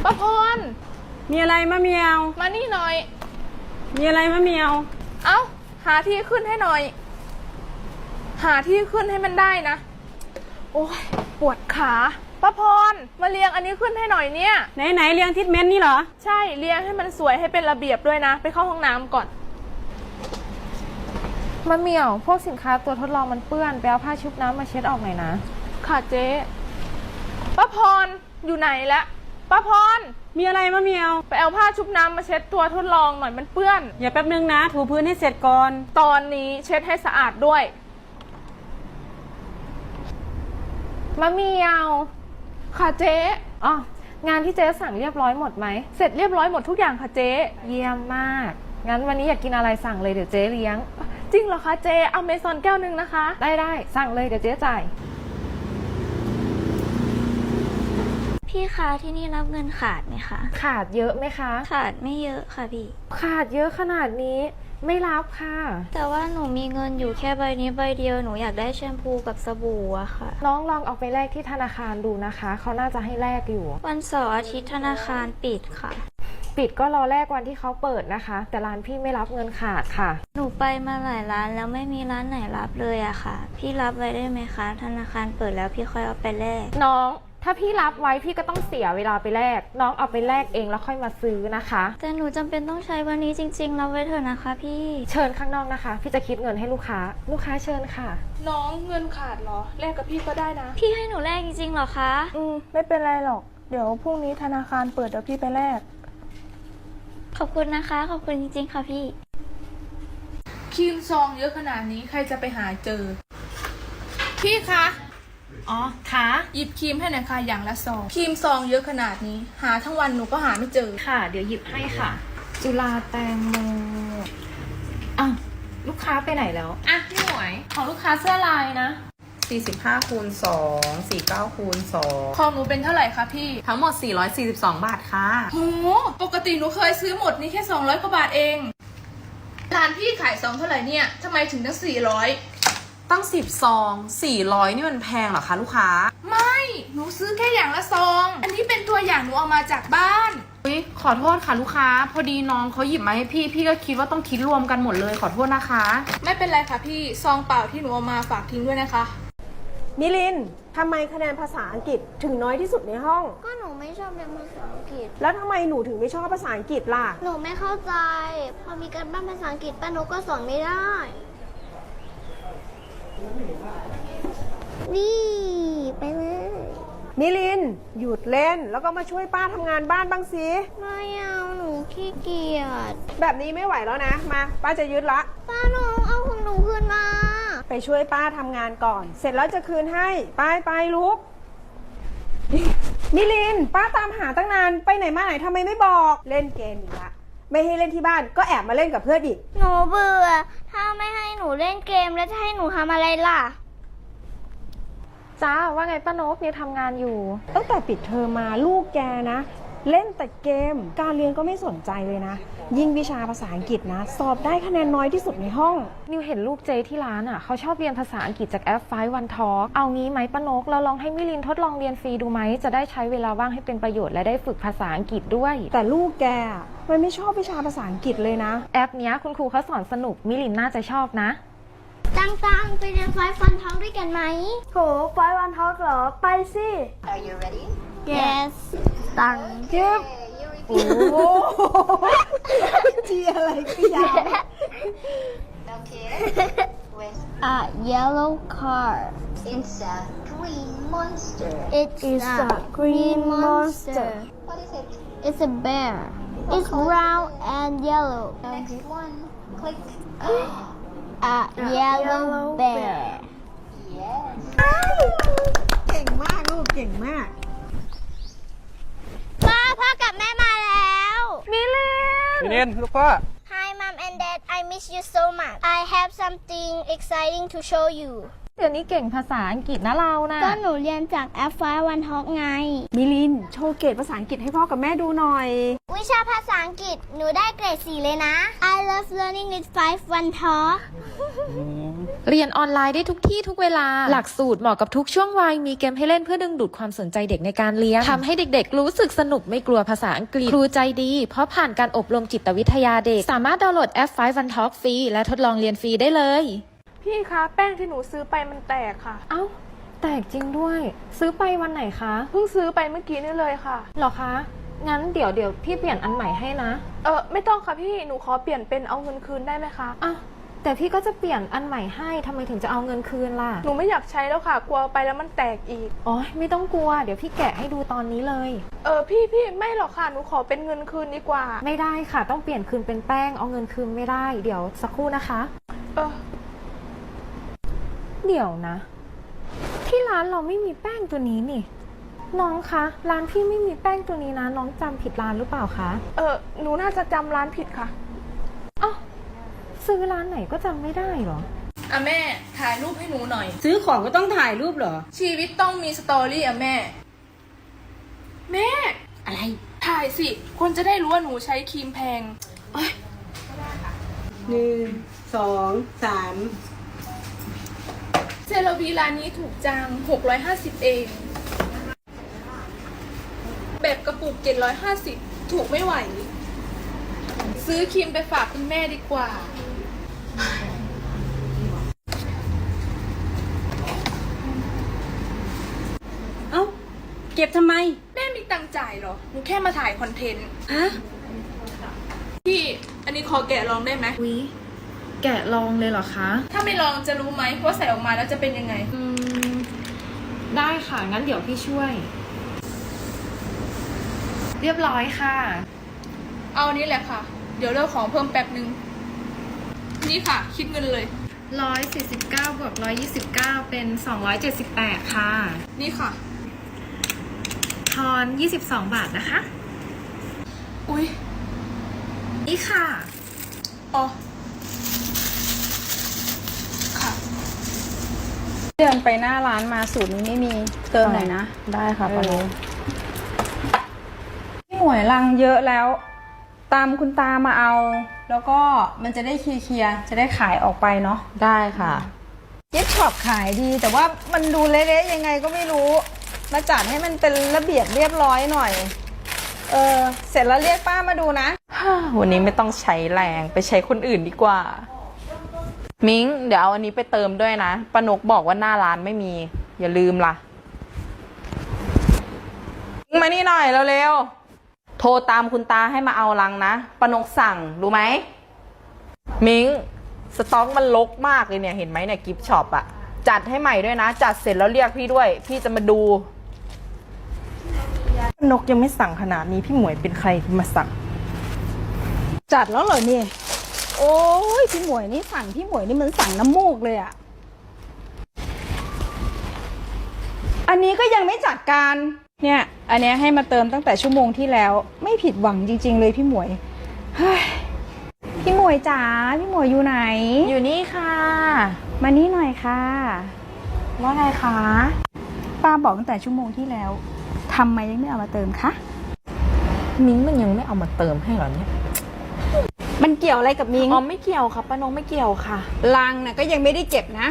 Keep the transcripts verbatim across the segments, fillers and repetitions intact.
ป้าพรมีอะไรมะเมียวมานี่หน่อยมีอะไรมะเมียวเอ้าหาที่ขึ้นให้หน่อยหาที่ขึ้นให้มันได้นะโอ้ยปวดขาป้าพรมาเรียงอันนี้ขึ้นให้หน่อยเนี่ยไหนไหนเรียงทิศเม้นนี่เหรอใช่เรียงให้มันสวยให้เป็นระเบียบด้วยนะไปเข้าห้องน้ำก่อนมะเหมี่ยวพวกสินค้าตัวทดลองมันเปื้อนไปเอาผ้าชุบน้ำมาเช็ดออกหน่อยนะค่ะเจ๊ป้าพรอยู่ไหนละป้าพรมีอะไรมะเมียวไปเอาผ้าชุบน้ำมาเช็ดตัวทดลองหน่อยมันเปื้อนอย่าแป๊บนึงนะถูพื้นให้เสร็จก่อนตอนนี้เช็ดให้สะอาดด้วยมะเหมี่ยวค่ะเจ๊อ๋องานที่เจ๊สั่งเรียบร้อยหมดไหมเสร็จเรียบร้อยหมดทุกอย่างค่ะเจ๊เยี่ยมมากงั้นวันนี้อยากกินอะไรสั่งเลยเดี๋ยวเจ๊เลี้ยงจริงเหรอคะเจ๊เอาเมซอนแก้วนึงนะคะได้ได้สั่งเลยเดี๋ยวเจ๊จ่ายพี่คะที่นี่รับเงินขาดไหมคะขาดเยอะไหมคะขาดไม่เยอะค่ะพี่ขาดเยอะขนาดนี้ไม่รับค่ะแต่ว่าหนูมีเงินอยู่แค่ใบนี้ใบเดียวหนูอยากได้แชมพูกับสบู่อะค่ะน้องลองเอาไปแลกที่ธนาคารดูนะคะเขาน่าจะให้แลกอยู่วันเสาร์อาทิตย์ธนาคารปิดค่ะปิดก็รอแลกวันที่เขาเปิดนะคะแต่ร้านพี่ไม่รับเงินขาดค่ะหนูไปมาหลายร้านแล้วไม่มีร้านไหนรับเลยอะค่ะพี่รับไว้ได้ไหมคะธนาคารเปิดแล้วพี่ค่อยเอาไปแลกน้องถ้าพี่รับไว้พี่ก็ต้องเสียเวลาไปแลกน้องเอาไปแลกเองแล้วค่อยมาซื้อนะคะแต่หนูจำเป็นต้องใช้วันนี้จริงๆรับไว้เถอะนะคะพี่เชิญข้างนอกนะคะพี่จะคิดเงินให้ลูกค้าลูกค้าเชิญค่ะน้องเงินขาดเหรอแลกกับพี่ก็ได้นะพี่ให้หนูแลกจริงๆเหรอคะอืมไม่เป็นไรหรอกเดี๋ยวพรุ่งนี้ธนาคารเปิดเดี๋ยวพี่ไปแลกขอบคุณนะคะขอบคุณจริงๆค่ะพี่ครีมซองเยอะขนาดนี้ใครจะไปหาเจอพี่คะอ๋อค่ะหยิบครีมให้หน่อยค่ะอย่างละซองครีมซองเยอะขนาดนี้หาทั้งวันหนูก็หาไม่เจอค่ะเดี๋ยวหยิบให้ค่ะจุฬาแตงโมอ่ะลูกค้าไปไหนแล้วอ่ะพี่หมวยของลูกค้าเสื้อลายนะสี่สิบห้าคูณสองสี่สิบเก้าคูณสองของหนูเป็นเท่าไหร่คะพี่ทั้งหมดสี่ร้อยสี่สิบสองบาทค่ะโหปกติหนูเคยซื้อหมดนี่แค่สองร้อยกว่าบาทเองร้านพี่ขายซองเท่าไหร่เนี่ยทำไมถึงตั้งสี่ร้อยตั้งสิบซองสี่ร้อยนี่มันแพงเหรอคะลูกค้าไม่หนูซื้อแค่อย่างละซองอันนี้เป็นตัวอย่างหนูเอามาจากบ้านอุ๊ยขอโทษค่ะลูกค้าพอดีน้องเขาหยิบมาให้พี่พี่ก็คิดว่าต้องคิดรวมกันหมดเลยขอโทษนะคะไม่เป็นไรค่ะพี่ซองเปล่าที่หนูเอามาฝากทิ้งด้วยนะคะมิลินทำไมคะแนนภาษาอังกฤษถึงน้อยที่สุดในห้องก็หนูไม่ชอบเรียนภาษาอังกฤษแล้วทำไมหนูถึงไม่ชอบภาษาอังกฤษล่ะหนูไม่เข้าใจพอมีการบ้านภาษาอังกฤษป้านุก็สอนไม่ได้นี่ไปเลยมิลินหยุดเล่นแล้วก็มาช่วยป้าทำงานบ้านบ้างสิไม่เอาหนูขี้เกียจแบบนี้ไม่ไหวแล้วนะมาป้าจะยึดละป้านุเอาของหนูคืนมาไปช่วยป้าทำงานก่อน เสร็จแล้วจะคืนให้ไปไปลุกมิลินป้าตามหาตั้งนานไปไหนมาไหนทำไมไม่บอกเล่นเกมอีกละไม่ให้เล่นที่บ้านก็แอบมาเล่นกับเพื่อนอีกหนูเบื่อถ้าไม่ให้หนูเล่นเกมแล้วจะให้หนูทำอะไรล่ะจ้าว่าไงป้านกเนี่ยทำงานอยู่ตั้งแต่ปิดเทอมมาลูกแกนะเล่นแต่เกมการเรียนก็ไม่สนใจเลยนะยิ่งวิชาภาษาอังกฤษนะสอบได้คะแนนน้อยที่สุดในห้องนิวเห็นลูกเจที่ร้านอ่ะเขาชอบเรียนภาษาอังกฤษจากแอปไฟว์วันทอล์กเอางี้ไหมป้านกเราลองให้มิลินทดลองเรียนฟรีดูไหมจะได้ใช้เวลาว่างให้เป็นประโยชน์และได้ฝึกภาษาอังกฤษด้วยแต่ลูกแกมันไม่ชอบวิชาภาษาอังกฤษเลยนะแอปเนี้ยคุณครูเขาสอนสนุกมิลินน่าจะชอบนะตังๆไปเรียนไฟฟันทองด้วยกันไหมโหไฟวันทอล์กเหรอไปสิ Are you ready Yes ตังเก็บโอ้จีอะไรก็ยาว Okay with a yellow car It's a green monster It's a green monster What is it It's a bear It's brown and yellow Next one click A yellow bear Yes เก่งมากลูกเก่งมากป้าพ่อกับแม่มาแล้วมิลินมิลินลูกพ่อ Hi mom and dad I miss you so much I have something exciting to show you เดี๋ยวนี้เก่งภาษาอังกฤษนะเรานะก็หนูเรียนจากแอปไฟวันท็อกไงมิลินโชว์เกรดภาษาอังกฤษให้พ่อกับแม่ดูหน่อยวิชาภาษาอังกฤษหนูได้เกรดสี่เลยนะ I love learning with five one talk เรียนออนไลน์ได้ทุกที่ทุกเวลา หลักสูตรเหมาะกับทุกช่วงวัย มีเกมให้เล่นเพื่อดึงดูดความสนใจเด็กในการเรียนทำให้เด็กๆรู้สึกสนุกไม่กลัวภาษาอังกฤษ ครูใจดี เพราะผ่านการอบรมจิตวิทยาเด็ก สามารถดาวน์โหลดแอป ไฟว์ วัน ทอล์ก ฟรี และทดลองเรียนฟรีได้เลยพี่คะแป้งที่หนูซื้อไปมันแตกค่ะเอ้า แตกจริงด้วย ซื้อไปวันไหนคะเพิ่งซื้อไปเมื่อกี้นี่เลยค่ะหรอคะ งั้นเดี๋ยวเดี๋ยวพี่เปลี่ยนอันใหม่ให้นะเออไม่ต้องค่ะพี่หนูขอเปลี่ยนเป็นเอาเงินคืนได้ไหมคะอ้าวแต่พี่ก็จะเปลี่ยนอันใหม่ให้ทำไมถึงจะเอาเงินคืนล่ะหนูไม่อยากใช้แล้วค่ะ กลัวไปแล้วมันแตกอีกอ๋อไม่ต้องกลัว เดี๋ยวพี่แกะให้ดูตอนนี้เลยเออพี่พี่ไม่หรอกค่ะหนูขอเป็นเงินคืนดีกว่าไม่ได้ค่ะ ต้องเปลี่ยนคืนเป็นแป้ง เอาเงินคืนไม่ได้ เดี๋ยวสักครู่นะคะเออเดี๋ยวนะ ที่ร้านเราไม่มีแป้งตัวนี้นี่ น้องคะ ร้านพี่ไม่มีแป้งตัวนี้นะ น้องจำผิดร้านหรือเปล่าคะเออหนูน่าจะจำร้านผิดค่ะอ้าวซื้อร้านไหนก็จำไม่ได้เหรออ่ะแม่ถ่ายรูปให้หนูหน่อยซื้อของก็ต้องถ่ายรูปเหรอชีวิตต้องมีสตอรี่อ่ะแม่ แม่อะไรถ่ายสิ คนจะได้รู้ว่าหนูใช้ครีมแพงหนึ่ง สอง สามเซราวีร้านนี้ถูกจังหกร้อยห้าสิบเอง แบบกระปุกเจ็ดร้อยห้าสิบถูกไม่ไหว ซื้อครีมไปฝากคุณแม่ดีกว่าเอ้า เก็บทำไมแม่มีตังค์จ่ายเหรอ หนูแค่มาถ่ายคอนเทนต์ฮะพี่ อันนี้ขอแกะลองได้ไหมวิแกะลองเลยเหรอคะถ้าไม่ลองจะรู้ไหมว่าใส่ออกมาแล้วจะเป็นยังไงอืม ได้ค่ะ งั้นเดี๋ยวพี่ช่วย เรียบร้อยค่ะเอาอันนี้แหละค่ะ เดี๋ยวเลือกของเพิ่มแป๊บนึง นี่ค่ะ คิดเงินเลยร้อยสี่สิบเก้าบวกร้อยยี่สิบเก้าเป็นสองร้อยเจ็ดสิบแปดค่ะนี่ค่ะทอนยี่สิบสองบาทนะคะอุ๊ยนี่ค่ะอ๋อ ค่ะเดินไปหน้าร้านมาสูตรนี้ไม่มีเติมหน่อยนะได้ค่ะปานุพี่หมวยลังเยอะแล้ว ตามคุณตามาเอา แล้วก็มันจะได้เคลียร์ๆจะได้ขายออกไปเนาะได้ค่ะเย็บช็อปขายดี แต่ว่ามันดูเละๆยังไงก็ไม่รู้ มาจัดให้มันเป็นระเบียบเรียบร้อยหน่อย เออเสร็จแล้วเรียกป้ามาดูนะวันนี้ไม่ต้องใช้แรงไปใช้คนอื่นดีกว่า มิ้งเดี๋ยวเอาอันนี้ไปเติมด้วยนะป้านกบอกว่าหน้าร้านไม่มี อย่าลืมล่ะมิ้งมานี่หน่อยเร็วๆโทรตามคุณตาให้มาเอาลังนะป้านกสั่งรู้ไหมมิ้งสต็อกมันลกมากเลยเนี่ยเห็นไหมเนี่ยกิฟต์ช็อปอะจัดให้ใหม่ด้วยนะ จัดเสร็จแล้วเรียกพี่ด้วย พี่จะมาดูนกยังไม่สั่งขนาดนี้พี่หมวยเป็นใครมาสั่งจัดแล้วเหรอเนี่ย โอ้ยพี่หมวยนี่สั่งพี่หมวยนี่มันสั่งน้ำมูกเลยอะอันนี้ก็ยังไม่จัดการ เนี่ย อันเนี้ยให้มาเติมตั้งแต่ชั่วโมงที่แล้ว ไม่ผิดหวังจริง ๆ เลยพี่หมวยเฮ้ยพี่หมวยจ๋าพี่หมวยอยู่ไหนอยู่นี่ค่ะมานี่หน่อยค่ะว่าไงคะป้าบอกตั้งแต่ชั่วโมงที่แล้วทำไมยังไม่เอามาเติมคะมิ้งมันยังไม่เอามาเติมให้เหรอเนี่ยมันเกี่ยวอะไรกับมิงอ๋อไม่เกี่ยวค่ะป้านกไม่เกี่ยวค่ะลังนะก็ยังไม่ได้เก็บนะ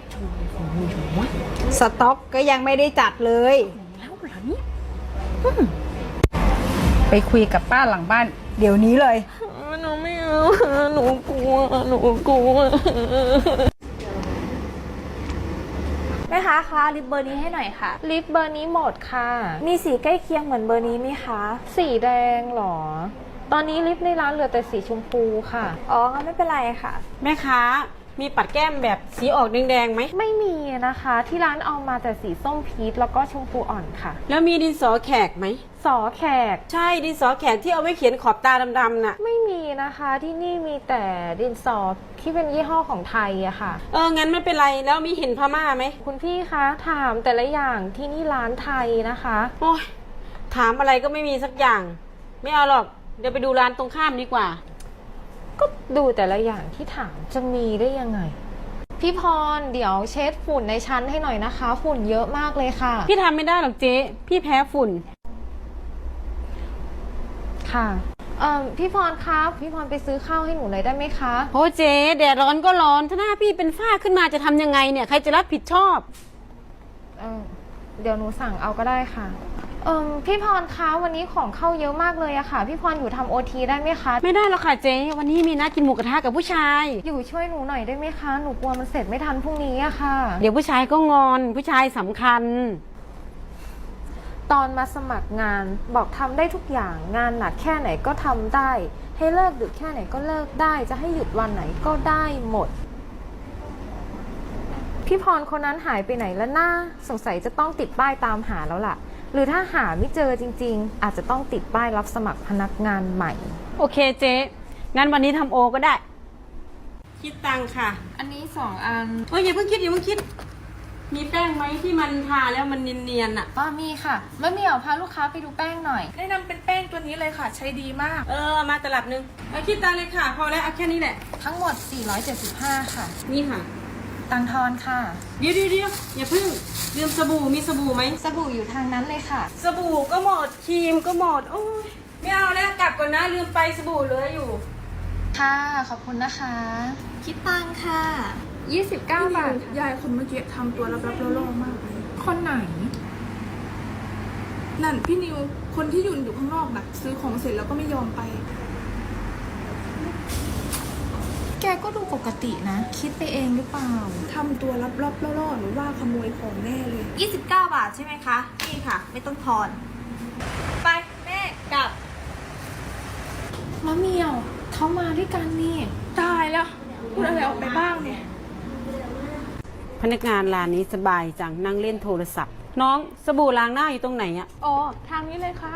สต็อกก็ยังไม่ได้จัดเลยไปคุยกับป้าหลังบ้าน เดี๋ยวนี้เลยหนูไม่เอาหนูกลัวหนูกลัวแม่ค้าคะลิปเบอร์นี้ให้หน่อยค่ะ ลิปเบอร์นี้หมดค่ะ มีสีใกล้เคียงเหมือนเบอร์นี้ไหมคะ สีแดงเหรอ ตอนนี้ลิปในร้านเหลือแต่สีชมพูค่ะ อ๋องั้นไม่เป็นไรค่ะแม่ค้า มีปัดแก้มแบบสีออกแดงๆไหมไม่มีนะคะ ที่ร้านเอามาแต่สีส้มพีชแล้วก็ชมพูอ่อนค่ะแล้วมีดินสอแขกไหมสอแขกใช่ ดินสอแขกที่เอาไว้เขียนขอบตาดำๆน่ะไม่มีนะคะ ที่นี่มีแต่ดินสอที่เป็นยี่ห้อของไทยอะค่ะเออ งั้นไม่เป็นไร แล้วมีเห็นพม่าไหมคุณพี่คะถามแต่ละอย่างที่นี่ร้านไทยนะคะโอ้ยถามอะไรก็ไม่มีสักอย่าง ไม่เอาหรอก เดี๋ยวไปดูร้านตรงข้ามดีกว่าก็ดูแต่ละอย่างที่ถามจะมีได้ยังไงพี่พรเดี๋ยวเช็ดฝุ่นในชั้นให้หน่อยนะคะ ฝุ่นเยอะมากเลยค่ะพี่ทำไม่ได้หรอกเจ๊ พี่แพ้ฝุ่นค่ะเอ่อพี่พรคะพี่พรไปซื้อข้าวให้หนูหน่อยได้ไหมคะโอ้เจ๊แดดร้อนก็ร้อน ถ้าหน้าพี่เป็นฝ้าขึ้นมาจะทำยังไงเนี่ย ใครจะรับผิดชอบเออเดี๋ยวหนูสั่งเอาก็ได้ค่ะ เอ่อพี่พรคะวันนี้ของเข้าเยอะมากเลยอะค่ะ พี่พรอยู่ทำโอทีได้ไหมคะไม่ได้หรอกค่ะเจ๊ วันนี้มีนัดกินหมูกระทะกับผู้ชายอยู่ช่วยหนูหน่อยได้ไหมคะ หนูกลัวมันเสร็จไม่ทันพรุ่งนี้อะค่ะเดี๋ยวผู้ชายก็งอน ผู้ชายสำคัญตอนมาสมัครงานบอกทำได้ทุกอย่างงานหนักแค่ไหนก็ทำได้ ให้เลิกดึกแค่ไหนก็เลิกได้ จะให้หยุดวันไหนก็ได้หมด พี่พรคนนั้นหายไปไหนแล้วนะสงสัยจะต้องติดป้ายตามหาแล้วล่ะ หรือถ้าหาไม่เจอจริงๆ อาจจะต้องติดป้ายรับสมัครพนักงานใหม่โอเคเจ๊ งั้นวันนี้ทำโอก็ได้ คิดตังค่ะอันนี้สองอันเฮ้ยอย่าเพิ่งคิดอย่าเพิ่งคิด มีแป้งไหมที่มันทาแล้วมันเนียนๆอ่ะป้ามีค่ะมะเหมี่ยวพาลูกค้าไปดูแป้งหน่อยแนะนำเป็นแป้งตัวนี้เลยค่ะ ใช้ดีมากเออเอามาตลับหนึงเอาคิดตังเลยค่ะ พอแล้วเอาแค่นี้แหละทั้งหมด สี่ร้อยเจ็ดสิบห้า ค่ะนี่ค่ะตังทอนค่ะเดี๋ยวเดี๋ยวเดี๋ยวอย่าเพิ่งลืมสบู่มีสบู่ไหมสบู่อยู่ทางนั้นเลยค่ะสบู่ก็หมดครีมก็หมด โอ้ยไม่เอาแล้วกลับก่อนนะลืมไปสบู่เหลืออยู่ค่ะ ขอบคุณนะคะ คิดตังค่ะ ยี่สิบเก้า บาทค่ะยายคนเมื่อกี้ทำตัวรับๆล่อๆมากเลยคนไหนนั่นพี่นิว คนที่ยืนอยู่ข้างนอกน่ะ ซื้อของเสร็จแล้วก็ไม่ยอมไปแกก็ดูปกตินะ คิดไปเองหรือเปล่าทำตัวรับๆล่อๆหรือว่าขโมยของแน่เลยยี่สิบเก้า บาทใช่ไหมคะ นี่ค่ะ ไม่ต้องทอน ไป แม่กลับมะเหมี่ยวเขามาด้วยกันนี่ตายแล้ว พูดอะไรออกไปบ้างเนี่ยพนักงานร้านนี้สบายจังนั่งเล่นโทรศัพท์ น้องสบู่ล้างหน้าอยู่ตรงไหนอะอ๋อ ทางนี้เลยค่ะ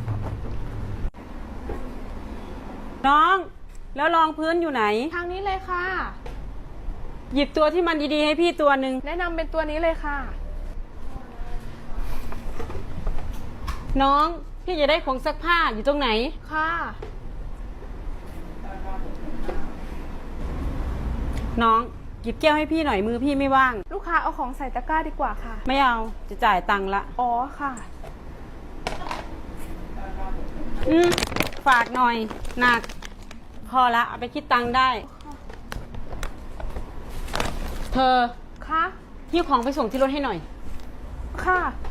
น้อง แล้วรองพื้นอยู่ไหนทางนี้เลยค่ะหยิบตัวที่มันดีๆให้พี่ตัวหนึ่งแนะนำเป็นตัวนี้เลยค่ะน้องพี่จะได้ของซักผ้าอยู่ตรงไหนค่ะน้องหยิบแก้วให้พี่หน่อยมือพี่ไม่ว่างลูกค้าเอาของใส่ตะกร้าดีกว่าค่ะไม่เอาจะจ่ายตังค์ละอ๋อค่ะอืมฝากหน่อยหนัก พอละเอาไปคิดตังค์ได้ เธอค่ะหิ้วของไปส่งที่รถให้หน่อยค่ะ